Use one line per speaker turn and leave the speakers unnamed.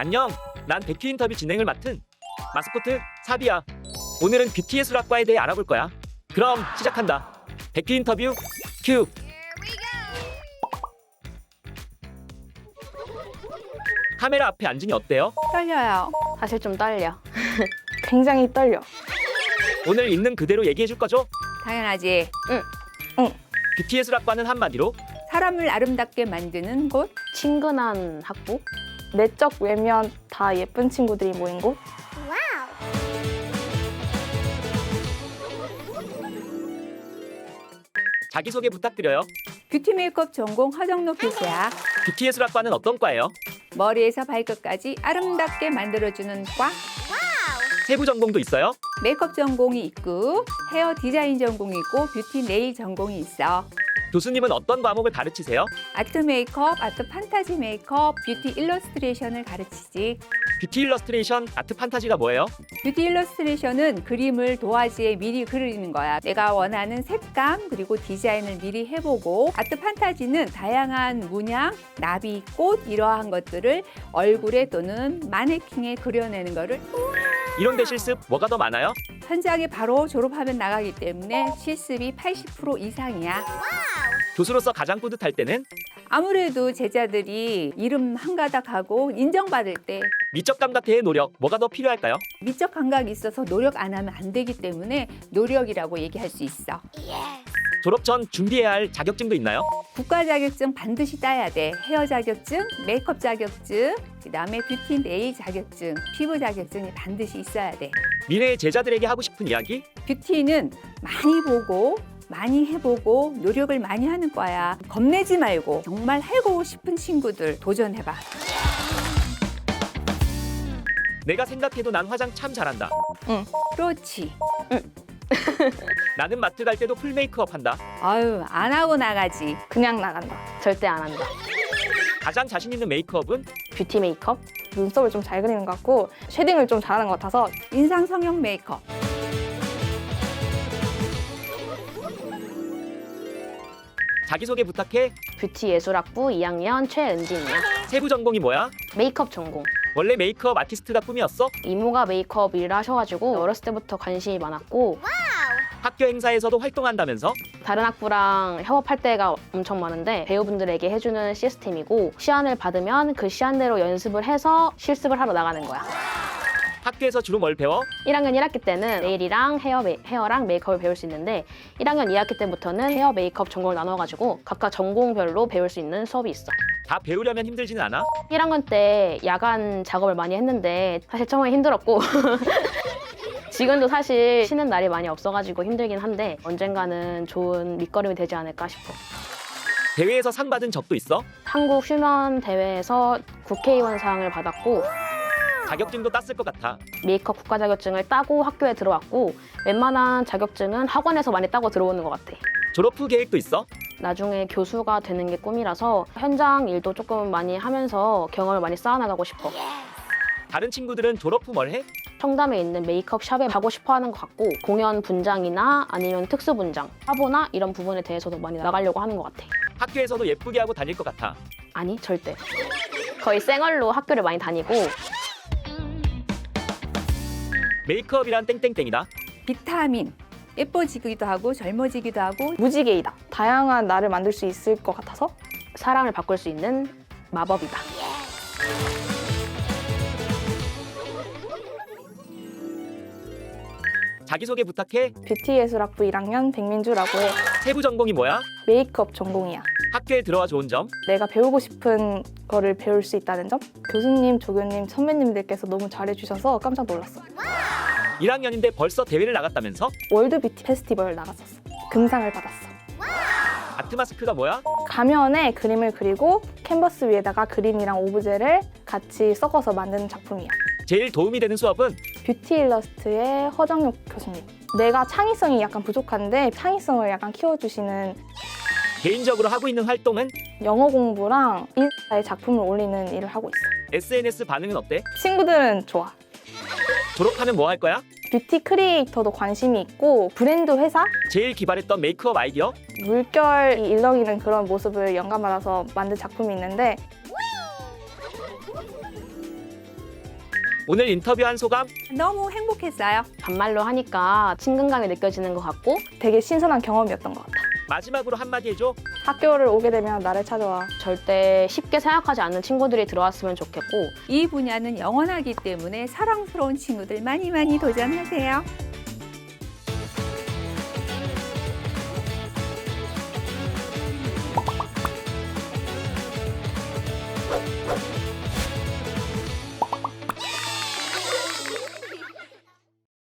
안녕, 난 뷰티 인터뷰 진행을 맡은 마스코트 사비야. 오늘은 뷰티 예술학과에 대해 알아볼 거야. 그럼 시작한다. 뷰티 인터뷰 큐. 카메라 앞에 앉으니 어때요?
떨려요.
사실 좀 떨려.
굉장히 떨려.
오늘 있는 그대로 얘기해 줄 거죠?
당연하지.
뷰티 예술학과는 한마디로
사람을 아름답게 만드는 곳.
친근한 학부?
내적 외면 다 예쁜 친구들이 모인 곳?
자기소개 부탁드려요.
뷰티 메이크업 전공 허정록 교수야.
뷰티 예술학과는 어떤 과예요?
머리에서 발끝까지 아름답게 만들어주는 과.
세부 전공도 있어요?
메이크업 전공이 있고 헤어 디자인 전공이 있고 뷰티 네일 전공이 있어.
교수님은 어떤 과목을 가르치세요?
아트 메이크업, 아트 판타지 메이크업, 뷰티 일러스트레이션을 가르치지.
뷰티 일러스트레이션, 아트 판타지가 뭐예요?
뷰티 일러스트레이션은 그림을 도화지에 미리 그리는 거야. 내가 원하는 색감 그리고 디자인을 미리 해보고, 아트 판타지는 다양한 문양, 나비, 꽃 이러한 것들을 얼굴에 또는 마네킹에 그려내는 거를
이론대 실습 뭐가 더 많아요?
현장에 바로 졸업하면 나가기 때문에 실습이 80% 이상이야.
교수로서 가장 뿌듯할 때는
아무래도 제자들이 이름 한 가닥하고 인정받을 때
미적 감각대의 노력 뭐가 더 필요할까요?
미적 감각이 있어서 노력 안 하면 안 되기 때문에 노력이라고 얘기할 수 있어.
졸업 전 준비해야 할 자격증도 있나요?
국가 자격증 반드시 따야 돼. 헤어 자격증, 메이크업 자격증, 그다음에 뷰티 네일 자격증, 피부 자격증이 반드시 있어야 돼.
미래의 제자들에게 하고 싶은 이야기?
뷰티는 많이 보고 많이 해보고 노력을 많이 하는 거야. 겁내지 말고 정말 하고 싶은 친구들 도전해봐.
내가 생각해도 난 화장 참 잘한다.
그렇지.
나는 마트 갈 때도 풀 메이크업 한다.
아유, 안 하고 나가지.
그냥 나간다.
절대 안 한다.
가장 자신 있는 메이크업은?
뷰티 메이크업?
눈썹을 좀 잘 그리는 것 같고 쉐딩을 좀 잘하는 것 같아서
인상 성형 메이크업.
자기소개 부탁해.
뷰티 예술학부 2학년 최은진이야.
세부 전공이 뭐야?
메이크업 전공.
원래 메이크업 아티스트가 꿈이었어?
이모가 메이크업 일을 하셔가지고 어렸을 때부터 관심이 많았고,
학교 행사에서도 활동한다면서?
다른 학부랑 협업할 때가 엄청 많은데 배우분들에게 해주는 시스템이고, 시안을 받으면 그 시안대로 연습을 해서 실습을 하러 나가는 거야.
학교에서 주로 뭘 배워?
1학년 1학기 때는 네일이랑 헤어랑 메이크업을 배울 수 있는데, 1학년 2학기 때부터는 헤어 메이크업 전공을 나눠가지고 각각 전공별로 배울 수 있는 수업이 있어.
다 배우려면 힘들지는 않아?
1학년 때 야간 작업을 많이 했는데 사실 처음에 힘들었고 지금도 사실 쉬는 날이 많이 없어가지고 힘들긴 한데 언젠가는 좋은 밑거름이 되지 않을까 싶어.
대회에서 상 받은 적도 있어?
한국 휴면 대회에서 국회의원상을 받았고,
자격증도 땄을 것 같아.
메이크업 국가 자격증을 따고 학교에 들어왔고, 웬만한 자격증은 학원에서 많이 따고 들어오는 것 같아.
졸업 후 계획도 있어?
나중에 교수가 되는 게 꿈이라서 현장 일도 조금 많이 하면서 경험을 많이 쌓아나가고 싶어.
다른 친구들은 졸업 후 뭘 해?
청담에 있는 메이크업 샵에 가고 싶어 하는 것 같고, 공연 분장이나 아니면 특수 분장, 화보나 이런 부분에 대해서도 많이 나가려고 하는 것 같아.
학교에서도 예쁘게 하고 다닐 것 같아.
아니, 절대. 거의 쌩얼로 학교를 많이 다니고.
메이크업이란 땡땡땡이다.
비타민. 예뻐지기도 하고 젊어지기도 하고
무지개이다. 다양한 나를 만들 수 있을 것 같아서
사람을 바꿀 수 있는 마법이다.
자기소개 부탁해.
뷰티 예술학부 1학년 백민주라고 해.
세부 전공이 뭐야?
메이크업 전공이야.
학교에 들어와 좋은 점?
내가 배우고 싶은 거를 배울 수 있다는 점? 교수님, 조교님, 선배님들께서 너무 잘해주셔서 깜짝 놀랐어.
1학년인데 벌써 대회를 나갔다면서?
월드 뷰티 페스티벌 나갔었어. 금상을 받았어.
아트 마스크가 뭐야?
가면에 그림을 그리고 캔버스 위에다가 그림이랑 오브제를 같이 섞어서 만드는 작품이야.
제일 도움이 되는 수업은?
뷰티 일러스트의 허정육 교수님. 내가 창의성이 약간 부족한데 창의성을 약간 키워주시는,
개인적으로 하고 있는 활동은?
영어 공부랑 인스타에 작품을 올리는 일을 하고 있어.
SNS 반응은 어때?
친구들은 좋아.
졸업하면 뭐 할 거야?
뷰티 크리에이터도 관심이 있고, 브랜드 회사?
제일 기발했던 메이크업 아이디어?
물결이 일렁이는 그런 모습을 영감받아서 만든 작품이 있는데
오늘 인터뷰한 소감?
너무 행복했어요.
반말로 하니까 친근감이 느껴지는 것 같고
되게 신선한 경험이었던 것 같아.
마지막으로 한마디 해줘.
학교를 오게 되면 나를 찾아와.
절대 쉽게 생각하지 않는 친구들이 들어왔으면 좋겠고
이 분야는 영원하기 때문에 사랑스러운 친구들 많이 많이 도전하세요.